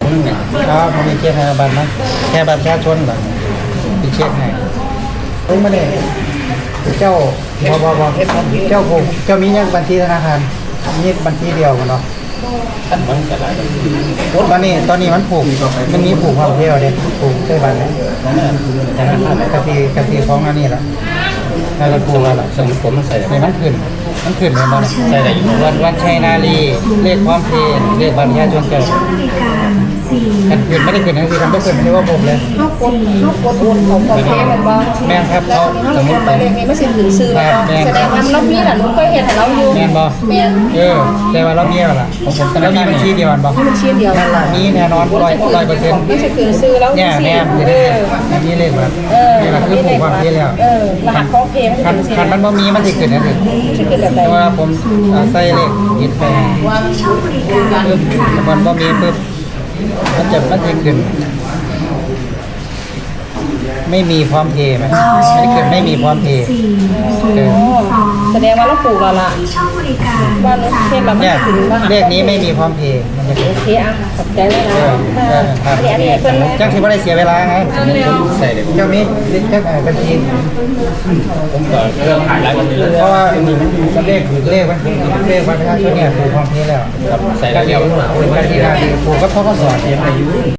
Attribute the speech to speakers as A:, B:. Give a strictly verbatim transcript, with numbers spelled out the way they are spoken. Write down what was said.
A: นึงเนี่ย
B: ครับผมมีเช็คให้บัตรนะแค่บัตรประชาชนก่อนมีเช็คให้ผมไม่ได้เจ้าบอบอบอเจ้าผมเจ้ามียังบัญชีธนาคารมีบัญชีเดียวกันเนาะ
A: ท่านมันจะหลายแบบ
B: ตอนนี้ตอนนี้มันผูกมันมีผูกความเที่ยวเด็ผูกใช่บัตรเนี่ยกะทิกะทิของอันนี้แหละน่าจะผูกแล้วล่ะ
A: สมุดผมมันใส่
B: นี่มันขึ้นมันขึ้นเลยมัน
A: ใส่ได้อยู่
B: วันวันชัยนาลีเลขความเพลนเลขบัตรประชาชนเจ้ากันขึ้นไม่ได้ขึ้นทั้งที่ทำไม่ขึ้นไม่ได้ว่าผมเลย
C: เขากดเขากดโอนของคอมเพลมันบ่
B: แม่นครับ
C: แล้ว
B: เขา
C: ตอนนี้เขาเขียนหมายเลขนี้ไม่ใช่ถือซื้อแล้วแสดงว่าเรามีน่ะหนูเคยเห็นแต่เราอยู่
B: แม่นบอ
C: แม่น
B: เออแต่ว่าเราเมียล่ะของผมแล้วมีบัญชีเดียวกันบอ
C: บัญชีเดียว
B: มีแน่นอนร้อยร้อยเปอร์เซ็นต์
C: ไม่ใช่ถือซื้อแล้ว
B: เนี่ยแน่
C: เอ
B: เดี๋ยว
C: อ
B: นี้เลขบัตร
C: เออ
B: นี่แหละคือผูกความเพลแล้ว
C: เออรหัสของเพลมัน
B: คัน
C: จะ
B: คัน
C: เป็น
B: มันบ่มีมันจะขึ้นนะสิ
C: ชื่อเป็นแบบใด
B: แต่ว่าผมใส่เลขยึดไปปึ๊บมันบ่มีปึ๊บมันจะมันจะขึ้นไม่มีพร้อมเพย์ไหมไม่ขึ้นไม่มีพร้อมเพย์เออ
C: แสดงว่าเราปลูกแล้วล่ะว่าเราเทศเราไม่
B: เนี่ย
C: ถึงรหัส
B: เลขนี้ไม่มีพร้อมเพย์มันจะขึ้น
C: โอเคอ่ะขอบใจเลยนะ
B: เออเออครับ
C: อันนี้อันนี้เพิ่น
B: จังสิว่าได้เสียเวลาไง
A: ใส่ได้
B: เจ้ามีเลขบัญชี
A: ผมก็เริ่มขายแล้วก็มี
B: เพราะว่าเลขเลขมันเลขวันประชาชนเนี่ยผูกพร้อมเพย์แล้ว
A: ครับใส่ได้แล้ว
B: ผูกกันที่ได้ผูกก็เขาก็สอน